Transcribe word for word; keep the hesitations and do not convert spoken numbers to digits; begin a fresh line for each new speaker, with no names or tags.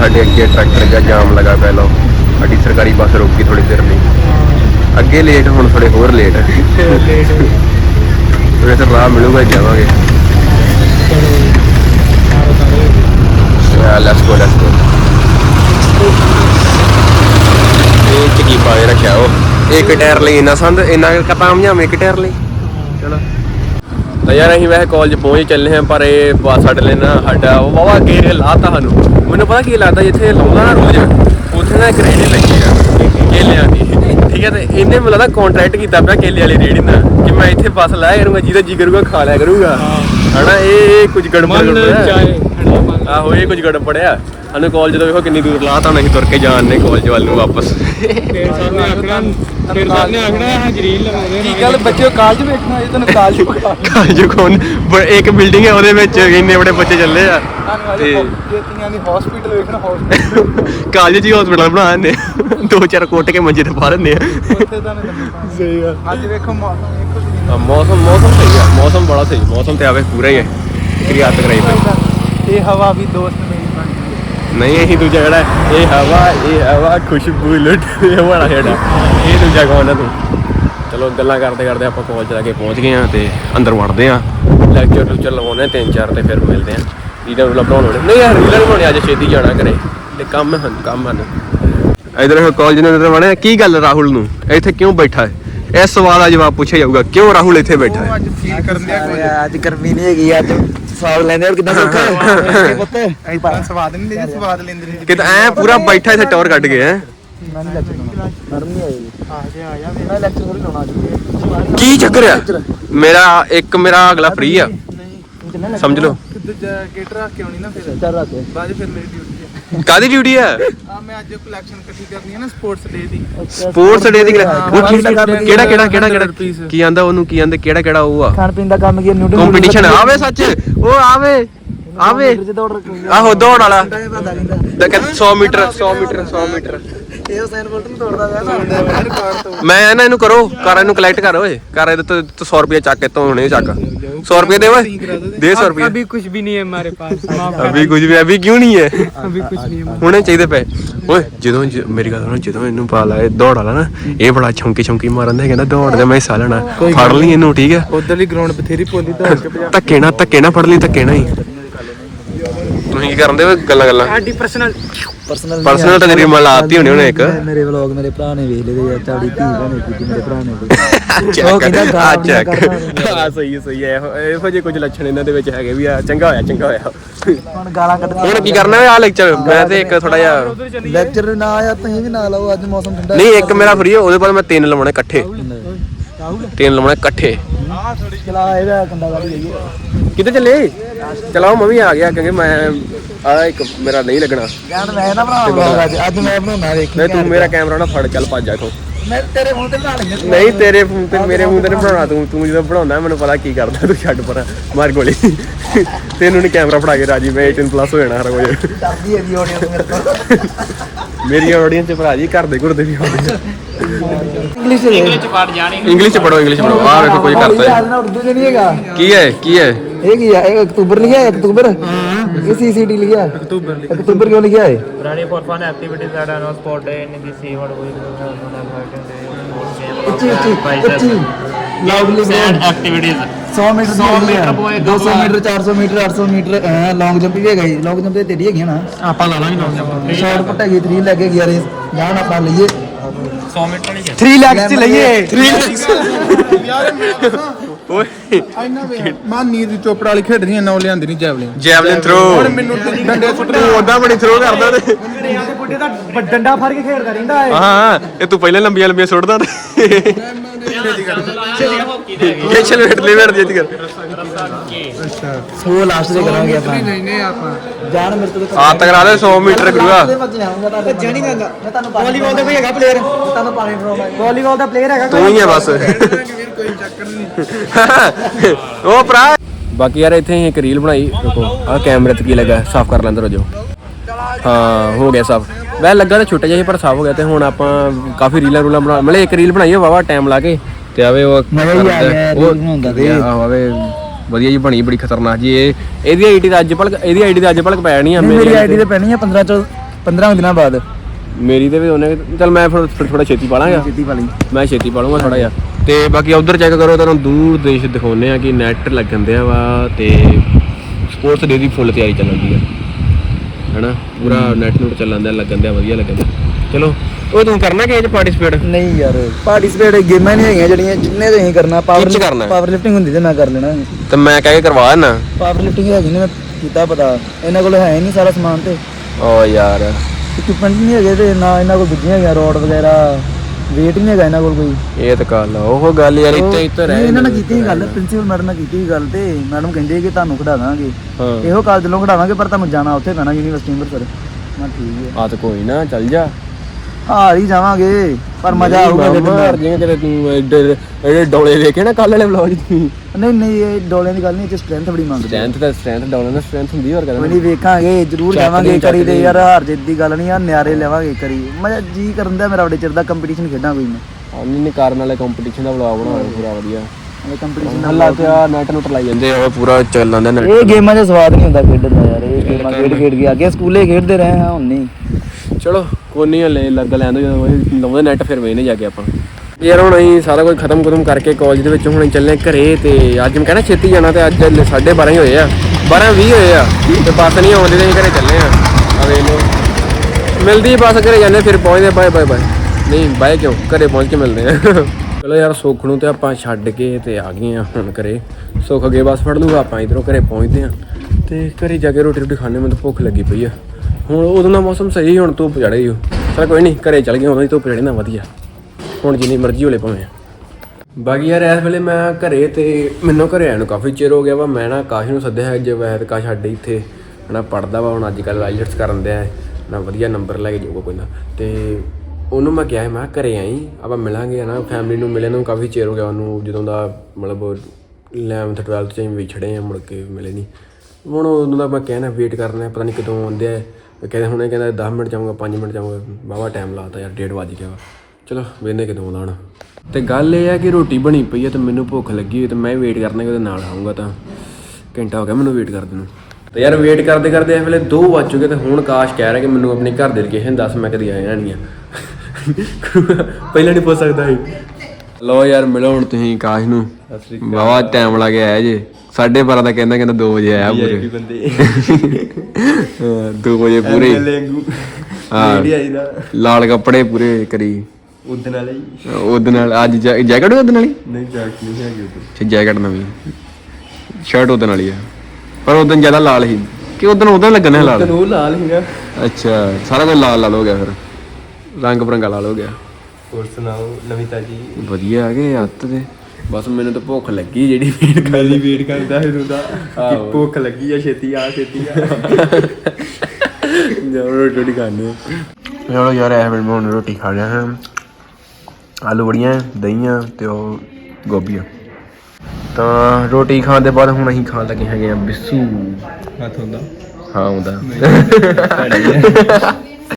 साढ़े अगे ट्रैक्टर का जाम लगा पे लो साड़ी सरकारी बस रोकी थोड़ी देर नहीं अगे लेट हुण थोड़े होर लेट वैसे राह मिलूगा जावांगे लेट्स गो लेट्स गो ये चकी पा के रखा वो एक टायर ਲਈ इन्ना संद इन्ना कताम जाम एक टायर ਲਈ चलो तो यार अं वैसे कॉलेज पहुँच चले हैं पर ये बस साढ़े लेना साडा वावा अगे लाता सानू मैंने पता की लगता जिथे लाउंदा ना रोज उत्थे ना एक रेहड़ी लगी है केलियां दी ठीक है तो इन्हें मतलब लगता कॉन्ट्रैक्ट किया पे केले वाली रेहड़ी ना कि मैं इतने बस लाया करूँगा जिदा जी करूँगा खा लिया करूँगा है ना ये कुछ गड़बड़ आहो ये कुछ गड़बड़ है सानू कॉलेज तो देखो कितनी दूर लाता नहीं तुर के जाने कॉलेज वाल वापस एक बिल्डिंग है ਉਹਦੇ ਵਿੱਚ ਇੰਨੇ ਬੜੇ ਬੱਚੇ ਚੱਲੇ ਆ ਤੇ ਹਸਪੀਟਲ ਵੇਖਣਾ ਹਸਪੀਟਲ ਕਾਲਜ ਜੀ ਹਸਪੀਟਲ ਬਣਾ ਦਿੰਦੇ ਦੋ ਚਾਰ ਕੋਟ ਕੇ ਮੰਜੇ ਤੇ ਪਾ ਦਿੰਦੇ ਆ ਉੱਥੇ ਤਾਂ ਸਹੀ ਗੱਲ ਅੱਜ ਵੇਖੋ ਮੌਸਮ ਮੌਸਮ ਮੌਸਮ ਸਹੀ ਆ ਮੌਸਮ ਬੜਾ ਸਹੀ ਮੌਸਮ ਤੇ ਆਵੇ ਪੂਰਾ ਹੀ ਹੈ ਕਿਰਿਆਤ ਕਰਾਈ ਤੇ ਇਹ ਹਵਾ ਵੀ ਦੋਸਤ ਮੇਰੀ नहीं यही दूजा जड़ा ये हवा ये हवा खुशबू लुट ये बड़ा जड़ा ये दूजा कौन है तू चलो गल्लां करते करते आप कॉलेज जाके पहुँच गए हैं तो अंदर वड़ते हैं लैक्चर लूचर लगवाने तीन चार तो फिर मिलते हैं रीलर रूलर बनाने नहीं यार रीलर नहीं बनाने अज छेती जाना घरे ते कम है कम है इधर कॉलेज ने अंदर बने की गल राहुल नूं इत्थे क्यों बैठा है इस सवाल का जवाब पूछा जाऊगा क्यों राहुल इत्थे बैठा है
अज गर्मी नहीं हैगी अज स्वाद लेंदे और कितना सौखा है पुੱਤ ਅਸੀਂ ਪਾ ਸਵਾਦ ਨਹੀਂ ਲੈਂਦੇ ਸਵਾਦ ਲੈਂਦੇ ਨੇ
कि ऐ पूरा बैठा इत्थे टॉर कट गए हैं
ਮੈਂ ਨਹੀਂ ਲੈਕਚਰ ਲਾਉਣਾ ਮੈਡਮ ਨਹੀਂ ਆਈ ਆ ਗਿਆ ਆ ਜਾ ਮੈਂ ਲੈਕਚਰ ਥੋੜੀ ਲਾਉਣਾ ਅੱਜ
की चक्कर है मेरा एक मेरा अगला फ्री है समझ लो
ਕਿਟ ਰੱਖ ਕੇ ਆਉਣੀ ਨਾ ਫਿਰ ਚੱਲ ਰੱਖ ਬਾਅਦ ਫਿਰ ਮੇਰੀ ਡਿਊਟੀ ਹੈ
ਕਾਦੀ ਡਿਊਟੀ ਹੈ
ਆ ਮੈਂ ਅੱਜ ਕਲੈਕਸ਼ਨ ਇਕੱਠੀ ਕਰਨੀ ਹੈ ਨਾ ਸਪੋਰਟਸ ਡੇ ਦੀ
ਸਪੋਰਟਸ ਡੇ ਦੀ ਕਿਹੜਾ ਕਿਹੜਾ ਕਿਹੜਾ ਕਿਹੜਾ ਕੀ ਆਂਦਾ ਉਹਨੂੰ ਕੀ ਆਂਦੇ ਕਿਹੜਾ ਕਿਹੜਾ ਉਹ ਆ
ਖਾਣ ਪੀਣ ਦਾ ਕੰਮ ਕੀ ਨਿਊਟਨ
ਕੰਪੀਟੀਸ਼ਨ ਆਵੇ ਸੱਚ ਉਹ ਆਵੇ ਆਵੇ ਆਹੋ ਦੌੜ ਵਾਲਾ ਸੌ ਮੀਟਰ ਸੌ ਮੀਟਰ ਸੌ ਮੀਟਰ
ਇਹ ਹੁਸੈਨ ਬੋਲਟ ਨੂੰ ਤੋੜਦਾ ਪਿਆ ਰਿਕਾਰਡ ਤੋਂ
ਮੈਂ ਨਾ ਇਹਨੂੰ ਕਰੋ ਕਾਰ ਇਹਨੂੰ ਕਲੈਕਟ ਕਰ ਓਏ ਕਾਰ ਇਹਦੇ ਤੋਂ ਸੌ ਰੁਪਏ ਚੱਕ ਕੇ ਤੋਂ ਹੁਣੇ ਚੱਕ सौ रुपये दे दे सौ रुपये
अभी कुछ भी नहीं है हमारे पास
अभी कुछ भी अभी क्यों नहीं है
अभी कुछ नहीं है
होने चाहिए पे ओए ਜਦੋਂ ਮੇਰੀ ਗੱਲ ਸੁਣੋ ਜਦੋਂ ਇਹਨੂੰ ਪਾ ਲਾਏ ਦੌੜ ਵਾਲਾ ਨਾ ਇਹ ਬੜਾ ਛੌਂਕੀ ਛੌਂਕੀ ਮਾਰਨ ਦਾ ਕਹਿੰਦਾ ਦੌੜ ਦੇ ਮੈਂ ਹਿੱਸਾ ਲੈਣਾ ਫੜ ਲਈ ਇਹਨੂੰ ਠੀਕ ਹੈ
ਉਧਰਲੀ ਗਰਾਊਂਡ ਬਥੇਰੀ ਪੋਲੀ ਦੌੜ ਕੇ
ਧੱਕੇ ਨਾ ਧੱਕੇ ਨਾ ਫੜ ਲਈ ਧੱਕੇ ਨਾ ਹੀ ਤੁਸੀਂ ਕੀ ਕਰਨ ਦੇ ਗੱਲਾਂ ਗੱਲਾਂ
साडी पर्सनल
ਪਰਸਨਲ
ਪਰਸਨਲ ਤਾਂ ਤੇਰੀ ਮੈਂ ਲਾਤੀ ਹੋਣੀ ਉਹਨੇ ਇੱਕ
ਮੇਰੇ ਵਲੌਗ ਮੇਰੇ ਭਰਾ ਨੇ ਵੇਖ ਲਏ ਯਾਰ ਤਾੜੀ ਧੀ ਭੈਣੇ ਕੀਤੀ ਮੇਰੇ ਭਰਾ ਨੇ
ਉਹ ਕਹਿੰਦਾ ਗਾ ਚੈੱਕ ਹਾਂ ਸਹੀ ਸਹੀ ਹੈ ਇਹੋ ਜਿਹੇ ਕੁਝ ਲੱਛਣ ਇਹਨਾਂ ਦੇ ਵਿੱਚ ਹੈਗੇ ਵੀ ਆ ਚੰਗਾ ਹੋਇਆ ਚੰਗਾ ਹੋਇਆ
ਹੁਣ ਗਾਲਾਂ ਕੱਢ
ਹੁਣ ਕੀ ਕਰਨਾ ਹੈ ਆ ਲੈਕਚਰ ਮੈਂ ਤੇ ਇੱਕ ਥੋੜਾ ਜਿਹਾ
ਲੈਕਚਰ ਨਾ ਆਇਆ ਤੁਸੀਂ ਵੀ ਨਾ ਲਾਓ ਅੱਜ ਮੌਸਮ ਠੰਡਾ
ਨਹੀਂ ਇੱਕ ਮੇਰਾ ਫਰੀ ਹੈ ਉਹਦੇ ਬਾਅਦ ਮੈਂ ਤਿੰਨ ਲਵਾਉਣੇ ਇਕੱਠੇ ਤਿੰਨ ਲਵਾਉਣੇ ਇਕੱਠੇ
ਚਲਾ ਇਹਦਾ ਕੰਡਾ ਕੱਢ ਜਾਈਏ
ਕਿੱਥੇ ਚੱਲੇ ਚਲਾਓ ਮੈਂ ਵੀ ਆ ਗਿਆ ਕਿਉਂਕਿ ਮੈਂ ਆ ਇੱਕ ਮੇਰਾ ਨਹੀਂ ਲੱਗਣਾ
ਯਾਰ ਮੈਂ ਨਾ ਬਣਾਉਂਗਾ ਅੱਜ ਅੱਜ ਮੈਂ ਬਣਾਉਣਾ ਵੇਖੀ
ਨਹੀਂ ਤੂੰ ਮੇਰਾ ਕੈਮਰਾ ਨਾ ਫੜ ਚੱਲ ਭੱਜ ਜਾ ਇੱਥੋਂ
ਮੈਂ ਤੇਰੇ ਮੂੰਹ ਤੇ ਬਣਾ ਲੈਂਗਾ
ਨਹੀਂ ਤੇਰੇ ਫੋਨ ਤੇ ਮੇਰੇ ਮੂੰਹ ਤੇ ਨਹੀਂ ਬਣਾਉਣਾ ਤੂੰ ਤੂੰ ਜਦੋਂ ਬਣਾਉਂਦਾ ਮੈਨੂੰ ਪਤਾ ਕੀ ਕਰਦਾ ਤੂੰ ਛੱਡ ਪਰਾਂ ਮਾਰ ਗੋਲੀ ਤੈਨੂੰ ਨਹੀਂ ਕੈਮਰਾ ਫੜਾ ਕੇ ਰਾਜੀ ਮੈਂ ਅਠਾਰਾਂ ਪਲੱਸ ਹੋ ਜਾਣਾ ਹਰ ਕੋਈ
ਡਰਦੀ ਹੈ ਵੀ ਆਡੀਅנס ਮੇਰੇ ਤੋਂ
ਮੇਰੀ ਆਡੀਅנס ਚ ਭਰਾ ਜੀ ਘਰ ਦੇ ਘਰ ਦੇ ਵੀ ਆਉਂਦੇ
ਇੰਗਲਿਸ਼
इंग्लिश पढ़ जानी
ਇੰਗਲਿਸ਼ ਚ ਪੜੋ ਇੰਗਲਿਸ਼ ਪੜੋ ਆ ਵੇਖੋ ਕੁਝ ਕਰਤਾ
ਨਾ ਉਰਦੂ ਚ ਨਹੀਂ ਹੈਗਾ
ਕੀ ਹੈ ਕੀ ਹੈ
ਇਹ ਕੀ ਹੈ ਇਹ ਅਕਤੂਬਰ ਲਿਖਿਆ ਹੈ ਅਕਤੂਬਰ ਇਹ ਸੀਸੀਟੀ ਲਿਖਿਆ ਹੈ ਅਕਤੂਬਰ ਅਕਤੂਬਰ ਕਿਉਂ ਲਿਖਿਆ ਹੈ
Running for fun activities that are not sport day in the sea what we
ਉੱਚੀ ਉੱਚੀ ਉੱਚੀ ਲਾਊਡਲੀ
sad activities
ਸੌ ਮੀਟਰ
ਸੌ ਮੀਟਰ ਬੋਏ
ਦੋ ਸੌ ਮੀਟਰ ਚਾਰ ਸੌ ਮੀਟਰ ਅੱਠ ਸੌ ਮੀਟਰ ਲੌਂਗ ਜੰਪ ਵੀ ਹੈਗਾ ਜੀ ਲੌਂਗ ਜੰਪ ਤੇ ਤੇਰੀ ਹੈਗੀ ਨਾ
ਆਪਾਂ ਲਾ ਲਾਂਗੇ ਨਾ
ਸ਼ਾਰਟ ਪੁੱਟ ਹੈਗੀ तीन ਲੈ ਕੇ ਗਿਆ ਰੇਸ ਜਾਣ ਆਪਾਂ ਲਈਏ
सौ मीटर नहीं है
तीन ਲੱਖ ਚ ਲਈਏ
तीन
ਯਾਰ ਓਏ ਆਇਨਾ ਵੇ ਮਾਂ ਨੀਰ ਦੀ ਚੋਪੜਾ ਵਾਲੀ ਖੇਡਣੀ ਨਾ ਲਿਆਂਦੀ ਨਹੀਂ ਜੈਵਲਿਨ
ਜੈਵਲਿਨ ਥਰੋ
ਹੁਣ ਮੈਨੂੰ ਡੰਡੇ ਸੁੱਟਣੇ
ਤੂੰ ਉਹਦਾ ਬੜੀ ਥਰੋ ਕਰਦਾ ਤੇ
ਦੇ ਬੁੱਢੇ ਦਾ ਡੰਡਾ ਫੜ ਕੇ ਖੇਡਦਾ ਰਹਿੰਦਾ ਹੈ
ਹਾਂ ਇਹ ਤੂੰ ਪਹਿਲਾਂ ਲੰਬੀਆਂ ਲੰਬੀਆਂ ਸੁੱਟਦਾ ਤੇ ਖੇਚਲ ਵੇਟ ਲੈ ਵੇਟ ਜਿੱਤ ਕਰ
ਉਹ ਲਾਸਟ ਤੇ ਕਰਾਂਗੇ ਆਪਾਂ
ਨਹੀਂ ਨਹੀਂ ਆਪਾਂ
ਜਾਣ ਮੇਰੇ ਤੋਂ
ਆ ਤਕਰਾ ਦੇ ਸੌ ਮੀਟਰ ਕਰੂਗਾ
ਜਾਣੀ ਗੱਲ ਮੈਂ ਤੁਹਾਨੂੰ ਵਾਲੀਬਾਲ ਦਾ ਕੋਈ ਹੈਗਾ ਪਲੇਅਰ ਤੁਹਾਨੂੰ ਪਾਣੀ ਫੜਾਉਣਾ ਵਾਲੀਬਾਲ ਦਾ ਪਲੇਅਰ ਹੈਗਾ
ਤੂੰ ਹੀ ਹੈ ਬਸ
ਕੋਈ ਚੱਕਰ ਨਹੀਂ
ਉਹ ਭਰਾ ਬਾਕੀ ਯਾਰ ਇੱਥੇ ਅਸੀਂ ਇੱਕ ਰੀਲ ਬਣਾਈ ਦੇਖੋ ਆਹ ਕੈਮਰੇ ਤੇ ਕੀ ਲੱਗਾ ਸਾਫ਼ ਕਰ ਲੈਂਦੇ ਰੋਜੋ ਹਾਂ ਹੋ ਗਿਆ ਸਾਫ਼ ਵੈ ਲੱਗਾ ਤਾਂ ਛੋਟਾ ਜਿਹਾ ਪਰ ਸਾਫ਼ ਹੋ ਗਿਆ ਤੇ ਹੁਣ ਆਪਾਂ ਕਾਫੀ ਰੀਲਾਂ ਰੂਲਾਂ ਬਣਾ ਮਤਲਬ ਇੱਕ ਰੀਲ ਬਣਾਈ ਵਾਵਾ ਟਾਈਮ ਲਾ ਕੇ ਤੇ ਆਵੇ ਉਹ
ਹੁੰਦਾ ਤੇ
ਆਵੇ ਵਧੀਆ ਜੀ ਬਣੀ ਬੜੀ ਖਤਰਨਾਕ ਜੀ ਇਹ ਇਹਦੀ ਆਈਡੀ ਦਾ ਅੱਜ ਭਲਕ ਇਹਦੀ ਆਈਡੀ ਦਾ ਅੱਜ ਭਲਕ ਪੈ ਜਾਣੀ ਆ
ਮੇਰੀ ਆਈਡੀ ਤੇ ਪੈਣੀ ਆ ਪੰਦਰਾਂ ਚੋਂ ਪੰਦਰਾਂ ਦਿਨਾਂ ਬਾਅਦ
ਮੇਰੀ ਤੇ ਵੀ ਉਹਨੇ ਚੱਲ ਮੈਂ ਫਿਰ ਥੋੜਾ ਛੇਤੀ ਪਾ ਲਾਂਗਾ
ਛੇਤੀ ਵਾਲੀ
ਮੈਂ ਛੇਤੀ ਪਾ ਲੂੰਗਾ ਥੋੜਾ ਜਿਹਾ ਤੇ ਬਾਕੀ ਉਧਰ ਚੈੱਕ ਕਰੋ ਤੁਹਾਨੂੰ ਦੂਰ ਦੇਸ਼ ਦਿਖਾਉਂਦੇ ਆ ਕਿ ਨੈਟ ਲੱਗਣ ਦਿਆ ਵਾ ਤੇ ਸਪੋਰਟਸ ਡੇ ਦੀ ਫੁੱਲ ਤਿਆਰੀ ਚੱਲਣ ਦੀ ਆ ਹੈਨਾ ਪੂਰਾ ਨੈਟ ਨੂਟ ਚੱਲਣ ਦਿਆ ਲੱਗਣ ਦਿਆ ਵਧੀਆ ਲੱਗਣ ਦਿਆ ਚਲੋ ਉਹ ਤੂੰ ਕਰਨਾ ਕਿ ਇਹ ਚ ਪਾਰਟਿਸਿਪੇਟ
ਨਹੀਂ ਯਾਰ ਪਾਰਟਿਸਿਪੇਟ ਗੇਮਾਂ ਨਹੀਂ ਹੈਗੀਆਂ ਜਿਹੜੀਆਂ ਜਿੰਨੇ ਤੁਸੀਂ ਕਰਨਾ ਪਾਵਰ
ਕਿੱਚ ਕਰਨਾ?
ਪਾਵਰ ਲਿਫਟਿੰਗ ਹੁੰਦੀ ਤੇ ਮੈਂ ਕਰ ਲੈਣਾ
ਤੇ ਮੈਂ ਕਹਿ ਕੇ ਕਰਵਾ ਦੇਣਾ
ਪਾਵਰ ਲਿਫਟਿੰਗ ਹੈਗੀ ਨੇ ਮੈਂ ਕੀਤਾ ਪਤਾ ਇਹਨਾਂ ਕੋਲ ਹੈ ਨਹੀਂ ਸਾਰਾ ਸਮਾਨ ਤੇ
ਓ ਯਾਰ
ਇਕਵਿਪਮੈਂਟ ਨਹੀਂ ਹੈਗੇ ਤੇ ਨਾ ਇਹਨਾਂ ਕੋਲ ਦੂਜੀਆਂ ਹੈਗੀਆਂ ਰੋਡ ਵਗੈਰਾ ਵੇਟ ਨਹੀਂ ਹੈਗਾ ਇਹਨਾਂ ਕੋਲ ਕੋਈ
ਇਹ ਤਾਂ ਗੱਲ ਆ ਉਹ ਗੱਲ ਯਾਰ ਇੱਥੇ ਇੱਥੇ ਰਹਿ
ਇਹਨਾਂ ਨਾਲ ਕੀਤੀ ਸੀ ਗੱਲ ਪ੍ਰਿੰਸੀਪਲ ਮੈਡਮ ਨਾਲ ਕੀਤੀ ਸੀ ਗੱਲ ਤੇ ਮੈਡਮ ਕਹਿੰਦੇ ਕਿ ਤੁਹਾਨੂੰ ਖਿਡਾ ਦਾਂਗੇ
ਹਾਂ
ਇਹੋ ਕਾਲਜ ਨੂੰ ਖਿਡਾਵਾਂਗੇ ਪਰ ਤੁਹਾਨੂੰ ਜਾਣਾ ਉੱਥੇ ਪੈਣਾ ਯੂਨੀਵਰਸਿਟੀ ਅੰਮ੍ਰਿਤਸਰ ਮੈਂ ਠੀਕ ਹੈ
ਆ ਤਾਂ ਕੋਈ ਨਾ ਚੱਲ ਜਾ
ਹਾਰ ਹੀ ਜਾਵਾਂਗੇ ਪਰ ਮਜ਼ਾ ਆਊਗਾ
ਮਾਰ ਜਿਵੇਂ ਤੇਰੇ ਤੂੰ ਐਡੇ ਡੋਲੇ ਵੇਖੇ ਨਾ ਕੱਲ ਵਾਲੇ ਵਲੌਗ ਚ
ਨਹੀਂ ਨਹੀਂ ਇਹ ਡੋਲਿਆਂ ਦੀ ਗੱਲ ਨਹੀਂ ਇਹ ਸਟਰੈਂਥ ਬੜੀ ਮੰਗਦੇ
ਸਟਰੈਂਥ ਦਾ ਸਟਰੈਂਥ ਡਾਊਨ ਦਾ ਸਟਰੈਂਥ ਹੁੰਦੀ ਹੋਰ
ਕੋਈ
ਕਹਿੰਦਾ
ਨਹੀਂ ਵੇਖਾਂਗੇ ਜ਼ਰੂਰ ਜਾਵਾਂਗੇ ਕਰੀ ਤੇ ਯਾਰ ਹਾਰ ਜਿੱਤ ਦੀ ਗੱਲ ਨਹੀਂ ਆ ਨਿਆਰੇ ਲੈਵਾਂਗੇ ਕਰੀ ਮਜ਼ਾ ਜੀ ਕਰਨ ਦਾ ਮੇਰਾ ਬੜੇ ਚਿਰ ਦਾ ਕੰਪੀਟੀਸ਼ਨ ਖੇਡਾਂ ਕੋਈ ਮੈਂ
ਉਹਨੇ ਨੇ ਕਾਰਨ ਵਾਲੇ ਕੰਪੀਟੀਸ਼ਨ ਦਾ ਵਲੌਗ ਬਣਾਉਣਾ ਪੂਰਾ ਵਧੀਆ
ਇਹ ਕੰਪੀਟੀਸ਼ਨ
ਅੱਲਾ ਤੇ ਆ ਨੈਟ ਨੂਟ ਲਾਈ ਜਾਂਦੇ ਆ ਉਹ ਪੂਰਾ ਚੱਲ ਜਾਂਦਾ ਨੈਟ
ਇਹ ਗੇਮਾਂ ਦਾ ਸਵਾਦ ਨਹੀਂ ਹੁੰਦਾ ਖੇਡਣ ਦਾ ਯਾਰ ਇਹ ਗੇਮਾਂ ਖੇਡ ਖੇਡ ਕੇ ਅੱਗੇ ਸਕੂਲੇ ਖੇਡਦੇ ਰਹੇ ਹਾਂ ਹੁਣ ਨਹੀਂ
ਚਲੋ ਕੋਈ ਨਹੀਂ ਹਲੇ ਲੱਗ ਲੈਂਦੇ ਜਦੋਂ ਲਾਉਂਦੇ ਨੈਟ ਫਿਰ ਵੇਨੇ ਜਾ ਕੇ ਆਪਾਂ ਯਾਰ ਹੁਣ ਅਸੀਂ ਸਾਰਾ ਕੁਝ ਖਤਮ ਖਤਮ ਕਰਕੇ ਕਾਲਜ ਦੇ ਵਿੱਚ ਹੁਣ ਅਸੀਂ ਚੱਲੇ ਘਰੇ ਤੇ ਅੱਜ ਮੈਂ ਕਹਿੰਦਾ ਛੇਤੀ ਜਾਣਾ ਤੇ ਅੱਜ ਸਾਢੇ ਬਾਰਾਂ ਹੀ ਹੋਏ ਆ ਬਾਰਾਂ ਵੀਹ ਹੋਏ ਆ ਤੇ ਬੱਸ ਨਹੀਂ ਆਉਂਦੀ ਤੇ ਅਸੀਂ ਘਰੇ ਚੱਲੇ ਆ ਆ ਵੇਖ ਲਓ ਮਿਲਦੀ ਬੱਸ ਘਰੇ ਜਾਂਦੇ ਫਿਰ ਪਹੁੰਚਦੇ ਬਾਏ ਬਾਏ ਬਾਏ ਨਹੀਂ ਬਾਏ ਕਿਉਂ ਘਰੇ ਪਹੁੰਚ ਕੇ ਮਿਲਦੇ ਆ ਚਲੋ ਯਾਰ ਸੁੱਖ ਨੂੰ ਤੇ ਆਪਾਂ ਛੱਡ ਕੇ ਤੇ ਆ ਗਏ ਆ ਹੁਣ ਘਰੇ ਸੁੱਖ ਅੱਗੇ ਬੱਸ ਫੜ ਲੂਗਾ ਆਪਾਂ ਇੱਧਰੋਂ ਘਰੇ ਪਹੁੰਚਦੇ ਆ ਤੇ ਘਰੇ ਜਾ ਕੇ ਰੋਟੀ ਰੋਟੀ ਖਾਣੇ ਮੈਨੂੰ ਭੁੱਖ ਲੱਗੀ ਪਈ ਆ ਹੁਣ ਉਦੋਂ ਦਾ ਮੌਸਮ ਸਹੀ ਹੁਣ ਧੁੱਪ ਚੜ੍ਹ ਗਈ ਚਲ ਕੋਈ ਨਹੀਂ ਘਰੇ ਚੱਲ ਗਏ ਉਦੋਂ ਦੀ ਧੁੱਪ ਚੜ੍ਹੇ ਨਾ ਵਧੀਆ ਹੁਣ ਜਿੰਨੀ ਮਰਜ਼ੀ ਹੋਲੇ ਭਾਵੇਂ ਬਾਕੀ ਯਾਰ ਇਸ ਵੇਲੇ ਮੈਂ ਘਰੇ ਤੇ ਮੈਨੂੰ ਘਰੇ ਆਉਣ ਨੂੰ ਕਾਫੀ ਚਿਰ ਹੋ ਗਿਆ ਵਾ ਮੈਂ ਨਾ ਕਾਸ਼ ਨੂੰ ਸੱਦਿਆ ਹੈ ਜੇ ਵੈਸੇ ਤਾਂ ਕਾਸ਼ ਸਾਡੇ ਇੱਥੇ ਹਨਾ ਪੜ੍ਹਦਾ ਵਾ ਹੁਣ ਅੱਜ ਕੱਲ੍ਹ ਆਈਲੈਟਸ ਕਰਨ ਦਿਆ ਨਾ ਵਧੀਆ ਨੰਬਰ ਲੈ ਕੇ ਜਾਊਗਾ ਕੋਈ ਨਾ ਤੇ ਉਹਨੂੰ ਮੈਂ ਕਿਹਾ ਮੈਂ ਘਰੇ ਆਈ ਆਪਾਂ ਮਿਲਾਂਗੇ ਨਾ ਫੈਮਿਲੀ ਨੂੰ ਮਿਲੇ ਨੂੰ ਕਾਫੀ ਚਿਰ ਹੋ ਗਿਆ ਉਹਨੂੰ ਜਦੋਂ ਦਾ ਮਤਲਬ ਇਲੈਵਨਥ ਟਵੈਲਥ 'ਚ ਵਿਛੜੇ ਆ ਮੁੜ ਕੇ ਮਿਲੇ ਨਹੀਂ ਹੁਣ ਉਦੋਂ ਦਾ ਮੈਂ ਕਹਿਣਾ ਵੇਟ ਕਰਨਾ ਪਤਾ ਨਹੀਂ ਕਦੋਂ ਆਉਂਦੇ ਆ ਕਹਿੰਦੇ ਹੁਣੇ ਕਹਿੰਦਾ ਦਸ ਮਿੰਟ ਜਾਊਂਗਾ ਪੰਜ ਮਿੰਟ ਜਾਊਂਗਾ ਵਾਹਵਾ ਟਾਈਮ ਲਾਤਾ ਯਾਰ ਡੇਢ ਵੱਜ ਗਿਆ ਵਾ ਚਲੋ ਵੇਖਦੇ ਕਦੋਂ ਆਉਣਾ ਤੇ ਗੱਲ ਇਹ ਆ ਕਿ ਰੋਟੀ ਬਣੀ ਪਈ ਆ ਤੇ ਮੈਨੂੰ ਭੁੱਖ ਲੱਗੀ ਹੋਈ ਤੇ ਮੈਂ ਵੇਟ ਕਰਨਾ ਕਿ ਉਹਦੇ ਨਾਲ ਆਊਂਗਾ ਤਾਂ ਘੰਟਾ ਹੋ ਗਿਆ ਮੈਨੂੰ ਵੇਟ ਕਰਦੇ ਨੂੰ ਤੇ ਯਾਰ ਵੇਟ ਕਰਦੇ ਕਰਦੇ ਇਸ ਵੇਲੇ ਦੋ ਵੱਜ ਚੁੱਕੇ ਤੇ ਹੁਣ ਕਾਸ਼ ਕਹਿ ਰਿਹਾ ਕਿ ਮੈਨੂੰ ਆਪਣੇ ਘਰ ਦੇ ਲੋਕੇਸ਼ਨ ਦੱਸ ਮੈਂ ਕਦੀ ਆਇਆ ਨਹੀਂ ਆ ਪਹਿਲਾਂ ਨਹੀਂ ਪੁੱਛ ਸਕਦਾ ਸੀ ਲੋ ਯਾਰ ਮਿਲੋ ਹੁਣ ਤੁਸੀਂ ਕਾਸ਼ ਨੂੰ ਵਾਹਵਾ ਟਾਈਮ ਲਾ ਕੇ ਆਇਆ ਜੇ ਸਾਢੇ ਬਾਰਾਂ ਦਾ ਕਹਿੰਦਾ ਕਹਿੰਦਾ ਦੋ ਵਜੇ ਆਇਆ ਪੂਰੇ ਬੰਦੇ ਹਾਂ ਦੋ ਵਜੇ ਪੂਰੇ ਹਾਂ ਲਾਲ ਕੱਪੜੇ ਪੂਰੇ ਕਰੀ
ਉਦਨ ਵਾਲੇ
ਉਹਦੇ ਨਾਲ ਅੱਜ ਜੈਕਟ ਉਹਦੇ ਨਾਲ ਹੀ
ਨਹੀਂ ਜੈਕਟ ਨਹੀਂ ਹੈਗੀ ਉਧਰ
ਜੈਕਟ ਨਵੀਂ ਸ਼ਰਟ ਉਹਦੇ ਨਾਲ ਹੀ ਆ ਪਰ ਉਦੋਂ ਜ਼ਿਆਦਾ ਲਾਲ ਸੀ ਕਿ ਉਦੋਂ ਉਦੋਂ ਲੱਗਣਾ ਲਾਲ
ਉਹ ਲਾਲ ਹੀਗਾ
ਅੱਛਾ ਸਾਰਾ ਕੁਝ ਲਾਲ ਲਾਲ ਹੋ ਗਿਆ ਫਿਰ ਰੰਗ ਬਰੰਗਾ ਲਾਲ ਹੋ ਗਿਆ
ਹੋਰ ਸੁਣਾਓ ਨਵੀਂ ਤਾਜੀ
ਵਧੀਆ ਆ ਗਏ ਹੱਥ ਤੇ ਬਸ ਮੈਨੂੰ ਤਾਂ ਭੁੱਖ ਲੱਗੀ ਜਿਹੜੀ ਵੇਟ
ਮੇਰੀ ਵੇਟ ਕਰਦਾ ਹੈ ਤੂੰ ਦਾ ਕਿ ਭੁੱਖ ਲੱਗੀ ਆ ਛੇਤੀ ਆ ਛੇਤੀ ਆ
ਜਾ ਰੋਟੀ ਰੋਟੀ ਖਾਣੇ ਚਲੋ ਯਾਰ ਐ ਵੇਲੇ ਮੈਂ ਰੋਟੀ ਖਾ ਲਿਆ ਹਾਂ ਆਲੂ ਬੜੀਆਂ ਦਹੀਂਆਂ ਤੇ ਉਹ ਗੋਭੀਆਂ ਤਾਂ ਰੋਟੀ ਖਾਣ ਦੇ ਬਾਅਦ ਹੁਣ ਅਸੀਂ ਖਾਣ ਲੱਗੇ ਹੈਗੇ ਆ ਬਿੱਸੂ
ਹੱਥ ਹੁੰਦਾ
ਹਾਂ ਹੁੰਦਾ